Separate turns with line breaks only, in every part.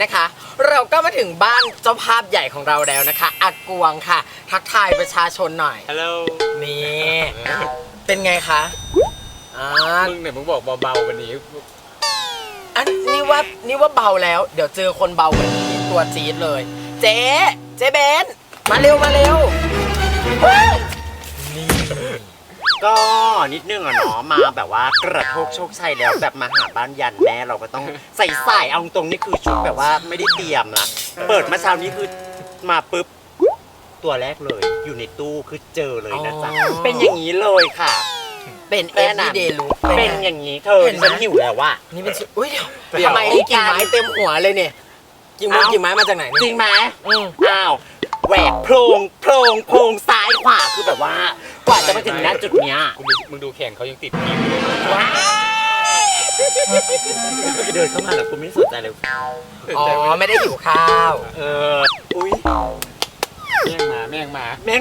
นะคะเราก็มาถึงบ้านเจ้าภาพใหญ่ของเราแล้วนะคะอากวงค่ะทักทายประชาชนหน่อย
ฮัลโหล
นี่เป็นไงคะ
มึงเนี่ยมึงบอกเบาๆวันนี้
อันนี่ว่าเบาแล้วเดี๋ยวเจอคนเบากว่านี้ตัวจี๊ดเลยเจ๊เบนมาเร็ว
ก็นิดนึงอะเนาะมาแบบว่ากระโชกโชคชัยแล้วแบบมาหาบ้านยันแม่เราก็ต้องใส่เอาตรงนี่คือชุดแบบว่าไม่ได้เตรียมนะเปิดมาเช้านี้คือมาปุ๊บตัวแรกเลยอยู่ในตู้คือเจอเลยนะจ๊ะเป็นอย่างนี้เลยค่ะ
เป็น everyday look
เป็นอย่างนี้เธอฉันหิวแล้วว่ะ
นี่เป็นอุ้ยเดี๋ยวทำไมนี่กิ่งไม้เต็มหัวเลยเนี่ยกิ่งไม้มาจากไหน
จริงไหมอ้าวแหวกโพรงซ้ายขวาคือแบบว่ากว่าจะมาถึงณจุดเนี้ย
มึงดูแขนเขายังติดผิว
ว้าเดินเข้ามาแล้วกูไม่สนใจเลย
อ๋อไม่ได้หิวข้าว
อุ้ย
แม่งมา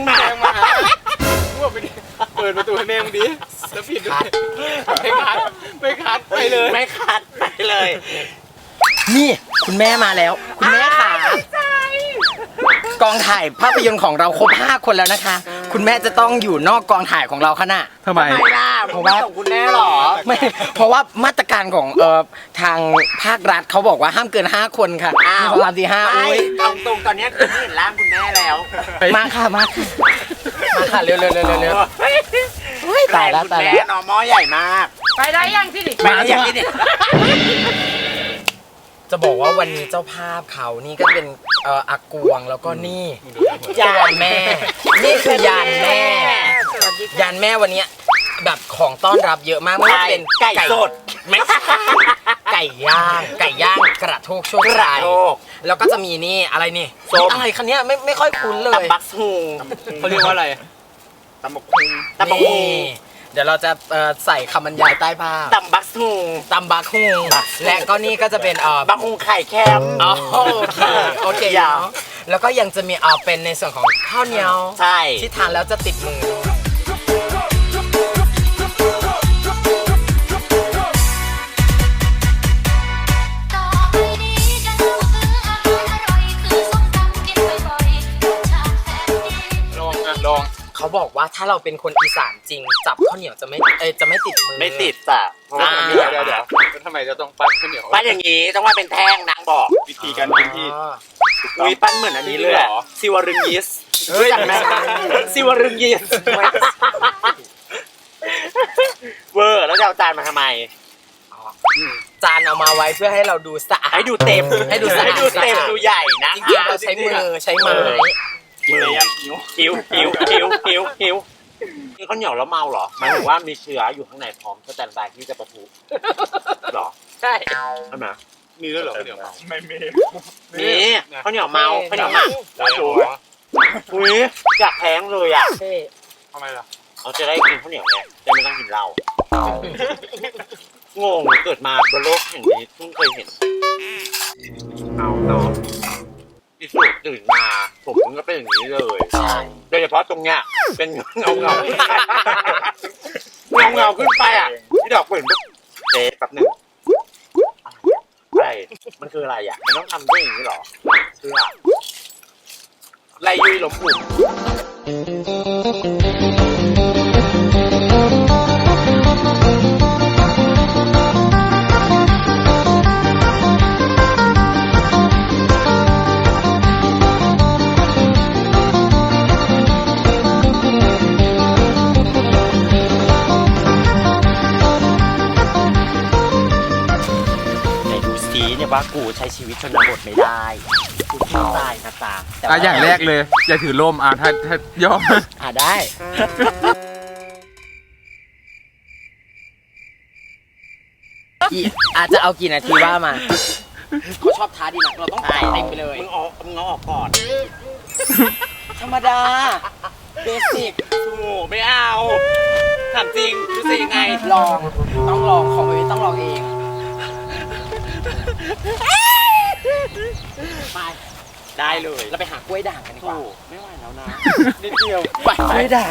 ว่าไปดิเปิดประตูให้แม่มึงดิแล้วปิดด้วยไม่คัดไปเลย
นี่คุณแม่มาแล้วคุณแม่ค่ะกองถ่ายภาพยนตร์ของเราครบ5 คนแล้วนะคะคุณแม่จะต้องอยู่นอกกองถ่ายของเราขณะ
ทำไม
ล่ะเพราะว่าของคุณแม่หรอ
ไม่เพราะว่ามาตรการของทางภาครัฐเขาบอกว่าห้ามเกิน5 คนค่ะของเราที่5อุ้ย
ตรงตอนนี้คือเห็นร่างคุณแม่แล้ว
มาค่ะเร็วตายแล้ว
น้องหม้อใหญ่มาก
ไปได้ยังที่ดิ
ไปได้ยังที่ดิ
จะบอกว่าวันนี้เจ้าภาพเขานี่ก็เป็นอากวงแล้วก็นี่ยานแม่นี่คือยานแม่วันนี้แบบของต้อนรับเยอะมากไม่ว่าจะเป็น
ไก่สด
ไม่ไก่ย่างกระโทกโชคชัยแล้วก็จะมีนี่อะไรนี่อะไรคันนี้ไม่ค่อยคุ้นเลย
ตับบักฮู
เขาเรียกว่าอะไร
ตับบักฮู
เดี๋ยวเราจะใส่คำบรรยายใต้ภาพ
ตับบักฮู
และก็นี่ก็จะเป็น
บักฮูไข่แคม
โอเคแล้วก็ยังจะมีเป็นในส่วนของข้าวเหนียว
ใช่
ที่ทานแล้วจะติดมือ
ลอง
เขาบอกว่าถ้าเราเป็นคนอีสานจริงจับข้าวเหนียวจะไม่ติดมือ
ไม่ติดจ้ะ
เพราะว่าเดี๋ยวทำไมจะต้องปั้นข้าวเหนียว
ปั้นอย่างนี้ต้องว่าเป็นแท่งนางบอก
วิธีการปั้นที่
อุ้ยปั้นเหมือนอันนี้เลยซิวรึงยิสจังไหมซิวรึงยิสเวอร์แล้วจะเอาจานมาทำไม
จานเอามาไว้เพื่อให้เราดูสะอาด
ให้ดูเต็มดูใหญ่นะ
จริงๆเราใช้มือใช้ไม้
หิวมีข้าวเหนียวแล้วเมาเหรอหมายถึงว่ามีเชื้ออยู่ข้างในพร้อมสแตนบายที่จะปะทุหรอ
ใช่
ไหม
มีด้วยเหรอข้าวเหนียวเมาไม่มี
ข้าวเหนียวเมาอุ้ยอยากแท้งเลยอ่ะ
ทำไมล่ะ
เราจะได้กินข้าวเหนียวไงจะไม่ต้องกินเหล้างงเกิดมาบนโลกแห่งนี้เพิ่งเคยเห็นเอาเนาะที่สุดตื่นมาผมก็เป็นอย่างนี้เลยโดยเฉพาะตรงเนี้ยเป็นเงาขึ้นไปอ่ะที่ดอกเปิดปุ๊บเจ๊แป๊บหนึ่งอะไรมันคืออะไรอ่ะมันต้องทำด้วยอย่างนี้หรอคืออะไรยุยหลงปุ่นว่ากูใช้ชีวิตชนบทไม่ได้กูขี้ตายนะจ๊ะ
อย่างแรกเลยอย่าถือร่มถ้าย่อ
ได้อาจจะเอากี่นาทีว่ามาเขาชอบท้าดีนะเราต้องถ่ายเต็มไปเลย
มึงเอาออกก่อน
ธรรมดาเบสิก
ไม่เอาถามจริงรู้สึกยังไง
ต้องลองของแบบนี้ต้องลองเองไป
ได้เลย
เราไปหากล้วยด่างกันดีกว่า
ไม่ไหวแล้วนะนิดเดียว
ไปกล้วยด่าง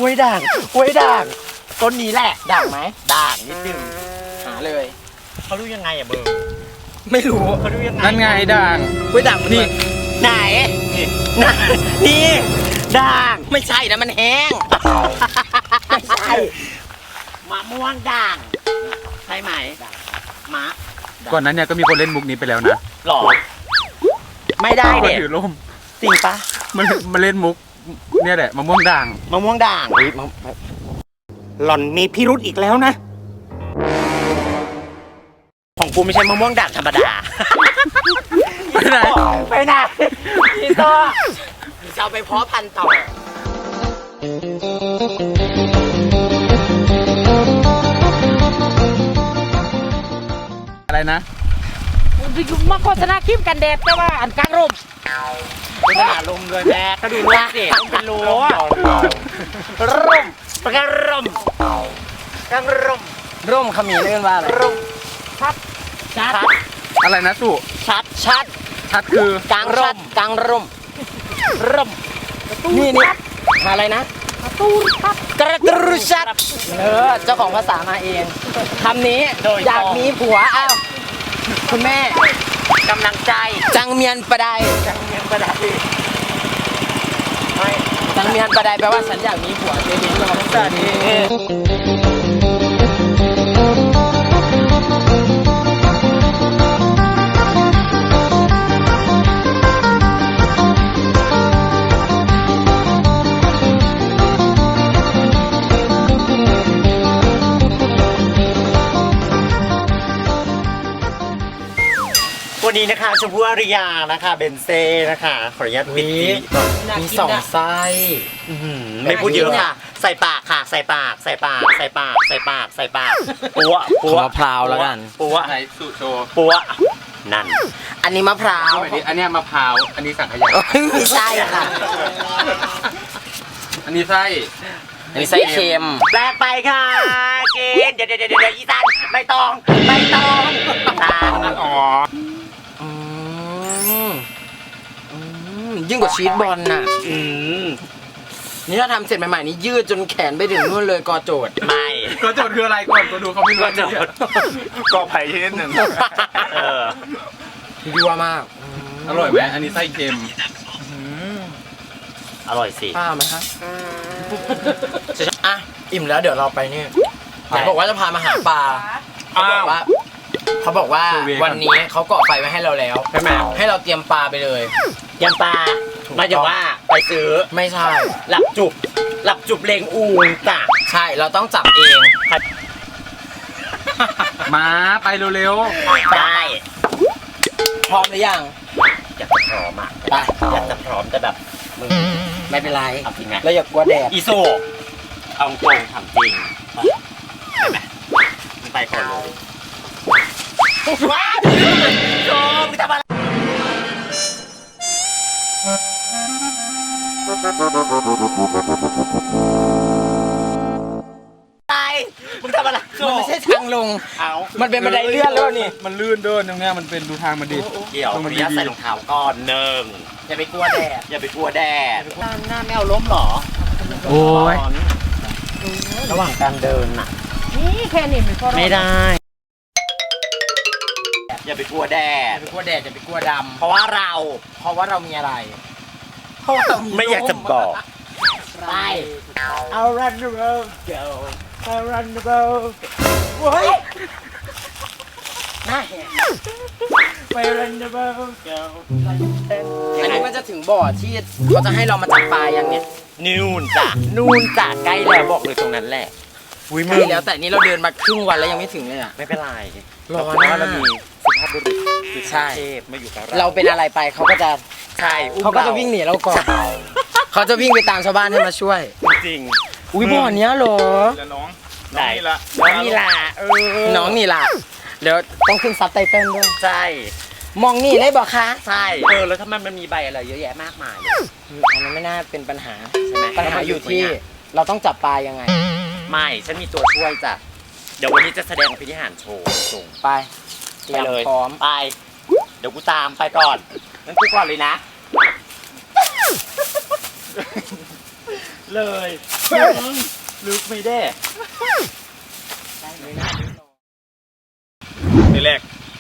ต้นนี้แหละด่างไหมด่างนิดนึงหาเลย
เขารู้ยังไงอ่ะเบอร์
ไม่รู้
เขาดูยังไง
นั่นไงด่าง
กล้วยด่างมัน
นี่
ไหนนี่ด่าง
ไม่ใช่นะมันแห้ง
ไม่ใช่มะม่วงด่างใช่ไหมมะ
ก่อนนั้นเนี่ยก็มีคนเล่นมุกนี้ไปแล้วนะ
หรอไม่ได้
ก็
เด็
ถือร่ม
จริงปะ
มันเล่นมุกเนี่ยแหละมะม่วงด่าง
มะม่วงด่างหล่อนมีพิรุธอีกแล้วนะ ของกูไม่ใช่มะม่วงด่างธรรมดา
ไปไหน
ไปไหนพี่ต่อ
จะเอาไปเพาะพันธุ์ต่อ
อะไรนะ
มาโฆษณาครีมกันแดดแต่ว่าอันกลางร่ม
เป็นขนาดลมเลยแม่ก็ดูรูปสิต้องเป็นรู้ร่มปากการ่มกางร่ม
ร่มขมิ้นเรียกว่าอะไร
ร่ม
ชัด
อะไรนะสุ
ชัด
ชัดคือก
ลางร่มกลางร่ม
ร่ม
นี่อะไรนะ
ตูนครับ
กระตรุชัดเจ้าของภาษามาเองคำนี้อยากมีผัวอ้าวคุณแม่
กำลังใจ
จังเมียนประได
จังเมียงประดับไม่
จังเมียนประไดแปลว่าฉันอยากมีผัวเจ๊ดิ้งเราภาษาดี
วันนี้นะคะชมพู่อาริยานะคะเบนเซ่นะคะขออนุญาตปิดทีวีก่อน
มีสองไส้
ไม่พูดเยอะค่ะ ใส่ปากค่ะ ใส่ปาก ใส่ปาก ใส่ปาก ใส่ปาก ใส่ปากปัวปัว
มะพร้าวแล้วกัน
ปัว
ไหนสุโชว์
ปัวนั่น
อันนี้มะพร้าว
อันเนี้ยมะพร้าวอันนี้สังขยา
ไม่ใช่ค่ะ
อันนี้ไส้
อันนี้ไส้เค็ม
แปลกไปค่ะกินเดี๋ยวอีสันไม่ต้องตัง
อ๋อ
อืมยิ่งกว่าชีสบอลน่ะ
อืม
นี่ถ้าทำเสร็จใหม่ๆนี่ยืดจนแขนไปถึงนู่นเลยกอโจทย์
ไม่
ก็โจทย์คืออะไรก่อนก็ดูเขาไม่รู้
ก็โจทย์
ก็ไผ่ชนิดหนึ่ง
เออ
ยั่วมาก
อร่อยไหมอันนี้ไส้เค็ม
อร่อยสิ
ป้าไหมครับอ่ะอิ่มแล้วเดี๋ยวเราไปนี่เขาบอกว่าจะพามาหาปลาเขาบอกว่าวันนี้เขาก่อไฟไว้ให้เราแล้ว
ใช่ไหม
ให้เราเตรียมปลาไปเลย
ยำปลามาจากว่าไปซื้อ
ไม่ใช่
หลับจุบเลงอูงจ้ะ
ใช่เราต้องจับเอง
มาไปเร็ว
ได้
พร้อมหรือยัง
อยากจะพร้อมอ่ะ
ไป
อยากจะพร้อมแต่แบบมึง
ไม่เป็นไร
เอาจริงไหม
เราอย่ากลัวแดด
อีโซเอาตรงทำจริงไปไหมมึงไปก่อนเลยว้าวโจมมึงทำอะไรไปมึงทำอะไรโจ
มันไม่ใช่ทางลง
เอา
มันเป็นบันไดเลื่อนแล้วนี่
มันลื่นเดินตรงเนี้ยมันเป็นดูทางมันดิ
เดี๋ยวขออนุญาตใส่รองเท้าก่อนหนึ่ง
อย่าไปกลัวแดด
อย่าไปกลัวแดดหน้าไม่เอาล้มหรอ
โอ้ย
ระหว่างการเดินน่ะ
นี่แค่นี้มันก็รอด
ไม่ได้ อย่าไปกลัวแด
อย่า
ด
ไปกลัวแดดอย่าไปกลัวด
เพราะว่าเรา
ำเพราะว่าเรามีอะไรเพราะว่าเรา
ไม่อยากจะบอก
ไป
I'll run the road go I'll run the road
เฮ้ยหน้าแหก
ไป run the road go
อันนี้มันจะถึงบ่อที่เขาจะให้เรามาจับปลาอย่างเนี้ย
นู่นจ้ะนู่นจ้ะใกล้แล้วบอกเลยตรงนั้นแหละอุ้ยมึ
ใช่
ง
แล้วแต่นี้เราเดินมาครึ่งวันแล้วยังไม่ถึงเลยอ่ะ
ไม่เป็นไร
รอ
เพราะว่า
นะ
เรามีสุภาพบุรุษคือ
ใช่
เทพมาอยู่กับ
เรา
เรา
เป็นอะไรไปเขาก็จะ
ใช่อุ้ม
เขาก็จะวิ่งหนีเราก่อนเขาจะวิ่งไปตามชาวบ้านให้มาช่วย
จริง
อุ้ยบ่อเนี้ยเหรอ
แล้วน้อง
ไหน
ละ
น้องนี่ล่ะ
น้องนี่ล่ะเดี๋ยวต้องขึ้นซับไตเติ้ลด้วย
ใช่
มองนี่เลยบอกคะ
ใช่แล้วทำไมมันมีใบอะไรเยอะแยะมากมายเลย
อันนั้นไม่น่าเป็นปัญหา
ใช่ไหม
ปัญหาอยู่ที่เราต้องจับปลายังไง
ไม่ฉันมีตัวช่วยจ้ะเดี๋ยววันนี้จะแสดงพิธีหารโชว์ส่ง
ไปเตรี
ไป
ยม
เลย
พร้อม
ไป เดี๋ยวกูตามไปก่อนงั้นกูก่อนเลยนะ เลยลึกไม่ได้
ทีแรก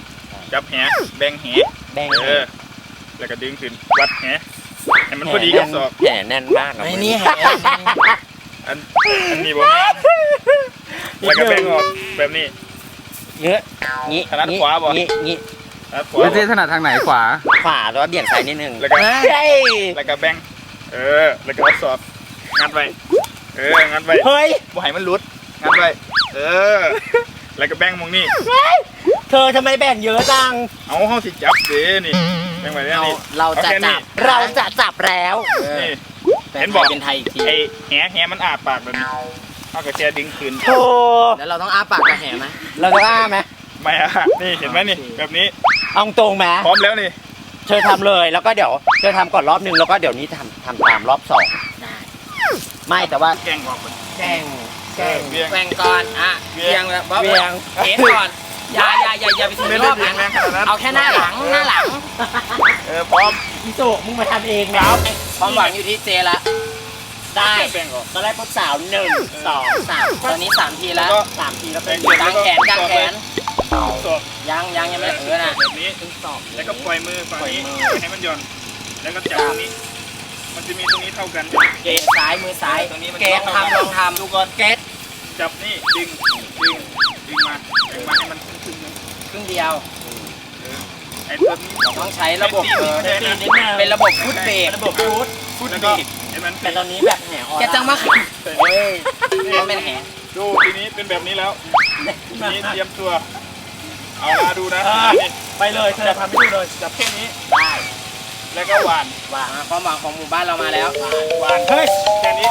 จับแหแบ่งแห
แบ่ง
แล้วก็ดึงขึ้นวัดแหให้มันพอดีกับศอก
แหแน่นมากอะ
ไอ้นี่แห
อันนี้บ่แม่นแล้วก็แบ่งออกแบบนี้
เงี้ยงี้
ถนัดขวาบ่
งี้
แล้วข
ไม่
วา
ใช่ถนัดทางไหนขวา
ขวาแล้วเบี่ยงซ้ายนิดนึง
แล้วก็
เฮ้ย
แล้วก็แบ่งแล้วก็เอาศอกงัดไว้งัดไว้
เฮ้ย
บ่ให้มันหลุดงัดไว้แล้วก็แบ่งมองนี่
เธอทำไมแบ่งเยอะจัง
เอาเฮาสิจับเด้นี่แบ่งไว้แล้วนี่
เราจะ
อแค่นี้
จับ
เราจะจับแล้ว
นี่
แต่
เห็นบอก
เป็นไทยอีกที
ไอ้แหมันอาปากแบบนี้เอากระเจียดึงคืน
โธ่
แล้วเราต้องอ้าปากกระแหไหม
เราจะอ้าไหม
ไม่อะนี่เห็นไหมนี่แบบนี้
เอาตรงไหม
พร้อมแล้วนี่
เธอทำเลยแล้วก็เดี๋ยวเธอทำก่อนรอบนึงแล้วก็เดี๋ยวนี้ทำตามรอบสอง
ได้
ไม่แต่ว่า
แกล้งออกก่อน
แกล้ง
เวียง
แกว่งก่อนอ่ะ
เวี
เวี
ย
ย
ง
งแล้วบ๊อบ
เวียง
เทก่อนอย่าไปถึง
ไม่
ร
ได้
อบ
เวียงแรงขนาดนั้น
เอาแค่หน้าหลัง
พร้อม
อีโตมึงมาทำเองแล้ว
ความหวังอยู่ที่เจละ
ได้
แบ่งออก
ตอนแรกพบสาว1 2 3
ตอนนี้3 ทีแล้ว
3ทีแล้วเป็น
กางแขนกางแขน
ศอก
ยังไม่นะ
แบบนี้แล้วก็ปล่อยมือฝั่งนี้ไม่ให้มันหย่อนแล้วก็จับตรงนี้ มันจะมีตรงนี้เท่ากัน
เกตซ้ายมือซ้าย
ตรงนี้มัน
เกตลองทำ
ดูก่อน
เกต
จับนี่ดึงมาแบ่งมาให้มันครึ่งๆนึง
ครึ่งเดียว
ไอ้ตัวนี้
ต้องใช้ระบบ
เซฟตี้นิดนึง
เป็นระบบฟุตเบรก
ระบบฟูด
พูดแล้วก็ให้มัน
แต่ตอนนี้แบบแหนออน
แกจังมากเฮ้ยมันเป็นแห
ดูทีนี้เป็นแบบนี้แล้วทีนี้เตรียมตัว เอามาดูนะนี่
ไปเลยเธอทำให้ดูเลย
จับแค่นี้
ได้
แล้วก็หวาน
ว่าความหวังของหมู่บ้านเรามาแล้ว
หวานเฮ้ยแค่นี้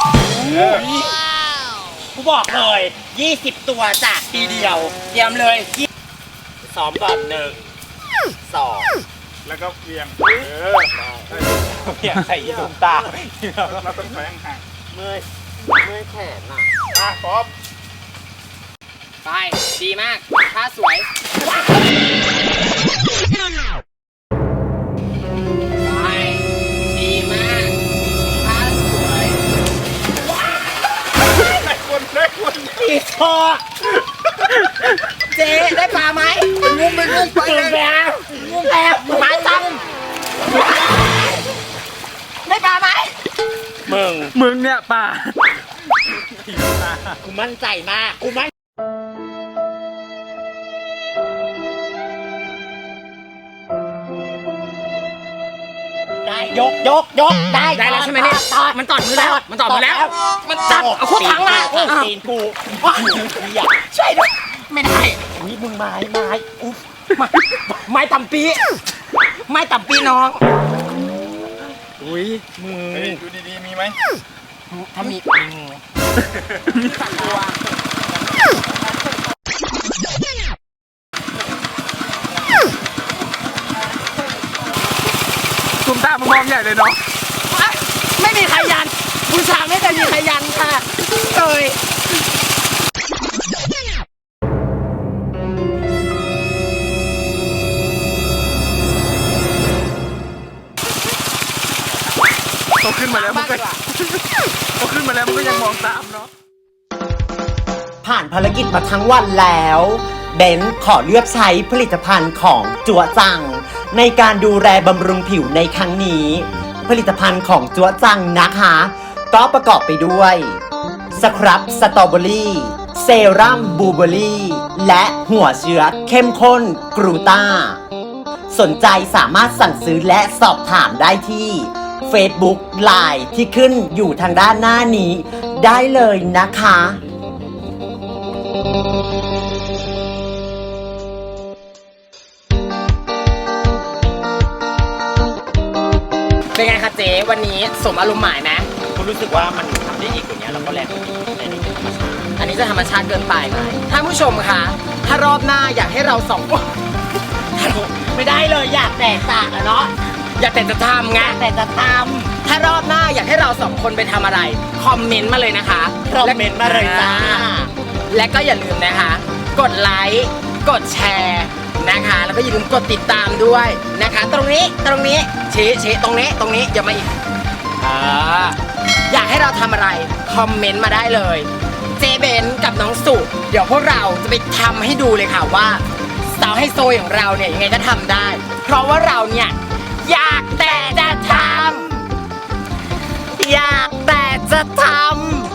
กูบอกเลย20 ตัวจากทีเดียว
เตรียมเลย
ซ้อมก่อน1 2
แล้วก็เวียง
เพียงใส่ยีตุ้มตา
เราต้องแฝงห่าง
เมื่อยแขนอ่ะ
พร้อม
ไปดีมากท่าสวยไปดีมากท่าสวย
ได้คน
อีทอ
เจ๊ได้ปลาไหมงุ้มไปงุ้มไป
ตื่น
เลย
แล้วแอบหมาตั้ง
ได้ปลาไหม
มึง
เนี่ยป่า
กูมั่นใจมากกูมั่นได้ยกได้
ได้แล้วใช่ไหมเนี่ยมันตอดมือแล้วมันตอดมือแล้ว มันจับเอาคุกถังมา
ตีนกู
ช่วยด้วยไม่ได้
อุ้ยมึงไม้อุ๊บ
ไม้ตำปีไม้ตำปีน้อง
อุ้ยมึง
เฮ้ยดูดีๆมีไหม
ถ้ามี
ตุ้มตามมองใหญ่เลยเนาะ
ไม่มีใครยันบูชาไม่เคยมีใครยันค่ะเลย
โตขึ้นมาแล้วมันก็โตขึ้นมาแล้วมันก็ยังมองตามเนาะ
ผ่านภารกิจมาทั้งวันแล้วเบนขอเลือกใช้ผลิตภัณฑ์ของจัวจัง ในการดูแลบำรุงผิวในครั้งนี้ ผลิตภัณฑ์ของจัวจังนะคะ ก็ประกอบไปด้วยสครับสตรอเบอรี่เซรั่มบลูเบอรี่และหัวเชื้อเข้มข้นกรูต้า สนใจสามารถสั่งซื้อและสอบถามได้ที่ Facebook Line ที่ขึ้นอยู่ทางด้านหน้านี้ ได้เลยนะคะ
เป็นไงคะเจ๊วันนี้สมอารมณ์หมายไหม
คุณรู้สึกว่ามันทำได้อีกกว่านี้แล้วก็แรงกว่านี้ในธรรมชาติ
อันนี้จะธรรมชาติเกินไปไหมท่านผู้ชมคะถ้ารอบหน้าอยากให้เราสองคน
ไม่ได้เลยอยากแตกต่างอะเนาะ
อยากแต่จะทำไง
แต่จะตาม
ถ้ารอบหน้าอยากให้เราสองคนไปทำอะไร คอมเมนต์มาเลยนะคะ
คอมเมนต์มาเลยจ้า
และก็อย่าลืมนะคะ กดไลค์กดแชร์นะคะ แล้วก็อย่าลืมกดติดตามด้วยนะคะ ตรงนี้ชี้ตรงนี้อย่ามาอีกอยากให้เราทำอะไรคอมเมนต์มาได้เลยเจเบนกับน้องสุเดี๋ยวพวกเราจะไปทำให้ดูเลยค่ะว่าสาวไฮโซอย่างเราเนี่ยยังไงก็ทำได้ เพราะว่าเราเนี่ยอยากแต่จะทำอยากแต่จะทำ